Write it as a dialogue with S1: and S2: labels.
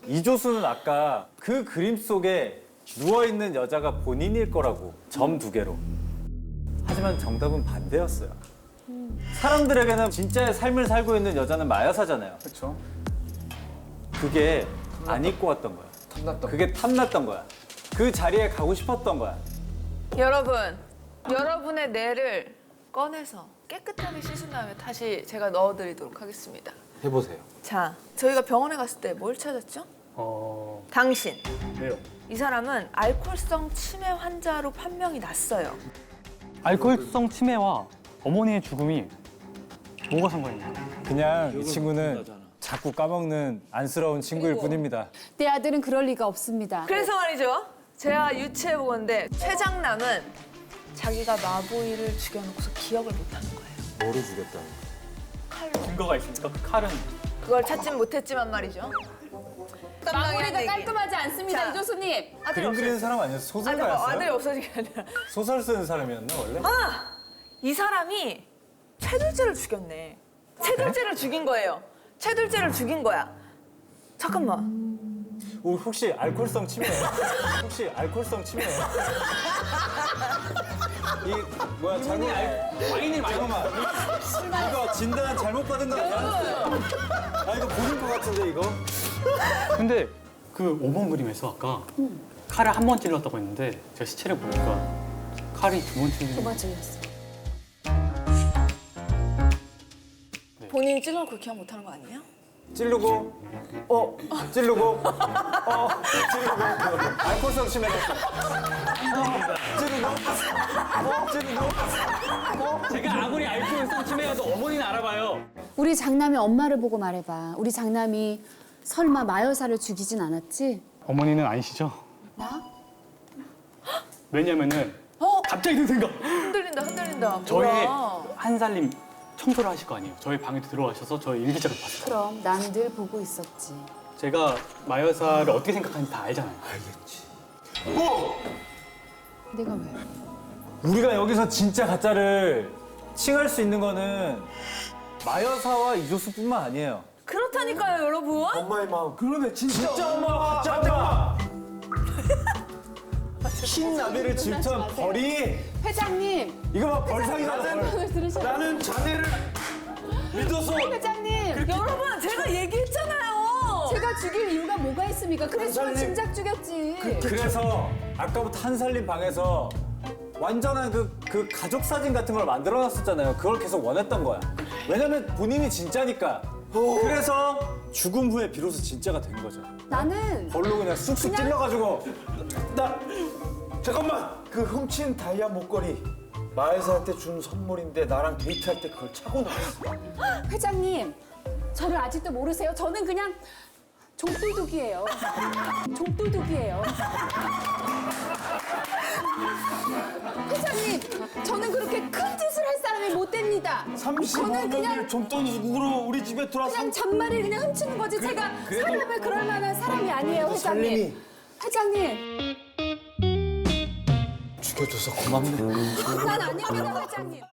S1: 이조수는 아까 그 그림 속에 누워있는 여자가 본인일 거라고 점 2개로. 하지만 정답은 반대였어요. 사람들에게는 진짜의 삶을 살고 있는 여자는 마여사잖아요.
S2: 그렇죠.
S1: 그게 안 입고 왔던 거야.
S2: 탐났던.
S1: 그게 탐났던 거야. 그 자리에 가고 싶었던 거야.
S3: 여러분, 여러분의 뇌를 꺼내서 깨끗하게 씻은 다음에 다시 제가 넣어드리도록 하겠습니다.
S1: 해보세요.
S3: 자, 저희가 병원에 갔을 때 뭘 찾았죠? 당신.
S2: 왜요?
S3: 이 사람은 알코올성 치매 환자로 판명이 났어요.
S4: 알코올성 치매와 어머니의 죽음이 뭐가 상관있나요?
S1: 그냥 이 친구는 자꾸 까먹는 안쓰러운 친구일 뿐입니다.
S5: 내 아들은 그럴 리가 없습니다.
S3: 그래서 말이죠. 제가 유추해보건데 최장남은 자기가 마보이를 죽여놓고서 기억을 못하는 거예요.
S1: 뭐로 죽였다는
S3: 칼로.
S4: 증거가 있습니까? 그 칼은
S3: 그걸 찾진 못했지만 말이죠.
S5: 마무리가 깔끔하지 않습니다,
S3: 자.
S5: 이조수님.
S3: 아들이
S1: 그림 그리는
S3: 없어졌어요.
S1: 사람 아니었어?
S3: 아들이
S1: 소설가였어요?
S3: 없어진 게 아니라
S1: 소설 쓰는 사람이었나 원래?
S3: 이 사람이 최둘째를 죽였네. 최둘째를 죽인 거예요. 최둘째를 죽인 거야. 잠깐만.
S1: 혹시 알코올성 치매예요? 혹시 알코올성 치매예요? 이 뭐야 잘못
S4: 와인을
S1: 잠깐만 이거 진단 잘못 받은 거 아니야? 아 이거 보는 거 같은데 이거?
S4: 근데 그 5번 그림에서 아까 칼을 한 번 찔렀다고 했는데 제가 시체를 보니까 칼이 2번 찔린
S5: 도마 찔렸어.
S3: 본인이 찔러놓고 그렇게 하면 못하는 거 아니에요?
S1: 찌르고 찌르고 찌르고 알코올성 치매였어. 찌르고
S4: 제가 아무리 알코올성 치매여도 어머니는 알아봐요.
S5: 우리 장남의 엄마를 보고 말해봐. 우리 장남이 설마 마여사를 죽이진 않았지?
S4: 어머니는 아니시죠?
S5: 나?
S4: 왜냐면은 갑자기 든 생각.
S3: 흔들린다, 흔들린다.
S4: 저희
S3: 뭐야.
S4: 한 살림 청소를 하실 거 아니에요. 저희 방에 들어와셔서 저희 일기장을 봤어요.
S5: 그럼 난 늘 보고 있었지.
S4: 제가 마여사를 어떻게 생각하는지 다 알잖아요.
S5: 내가 왜?
S1: 우리가 여기서 진짜 가짜를 칭할 수 있는 거는 마여사와 이조수뿐만 아니에요.
S3: 그렇다니까요, 여러분.
S2: 엄마의 마음.
S1: 그러네 진짜 엄마가 가짜 엄마. 흰 나비를 질투한 벌이
S5: 회장님!
S1: 이거 막 벌상이다 벌.
S5: 오늘 들으셨나요?
S2: 나는 자네를 믿어서
S5: 회장님!
S3: 여러분, 제가 얘기했잖아요.
S5: 제가 죽일 이유가 뭐가 있습니까? 그래서 진작 죽였지.
S1: 그래서 아까부터 한살림 방에서 완전한 그 가족 사진 같은 걸 만들어놨었잖아요. 그걸 계속 원했던 거야. 왜냐면 본인이 진짜니까. 그래서 죽음 후에 비로소 진짜가 된 거죠.
S5: 나는
S1: 벌로 그냥 쑥쑥 찔러가지고
S2: 나 잠깐만 그 훔친 다이아 목걸이 마을사한테 준 선물인데 나랑 데이트할 때 그걸 차고 나왔어.
S5: 회장님, 저를 아직도 모르세요? 저는 그냥 종돌독이에요. 종돌독이에요. 회장님, 저는 그렇게 큰 짓을 할 사람이 못 됩니다.
S2: 35년을 좀돈으로 우리 집에 들어와서
S5: 그냥 잔말을 그냥 훔치는 거지. 제가 사람을 그럴 만한 사람이 아니에요, 회장님.
S2: 살림이.
S5: 회장님,
S2: 죽여줘서 고맙네.
S5: 난 아닙니다, 회장님.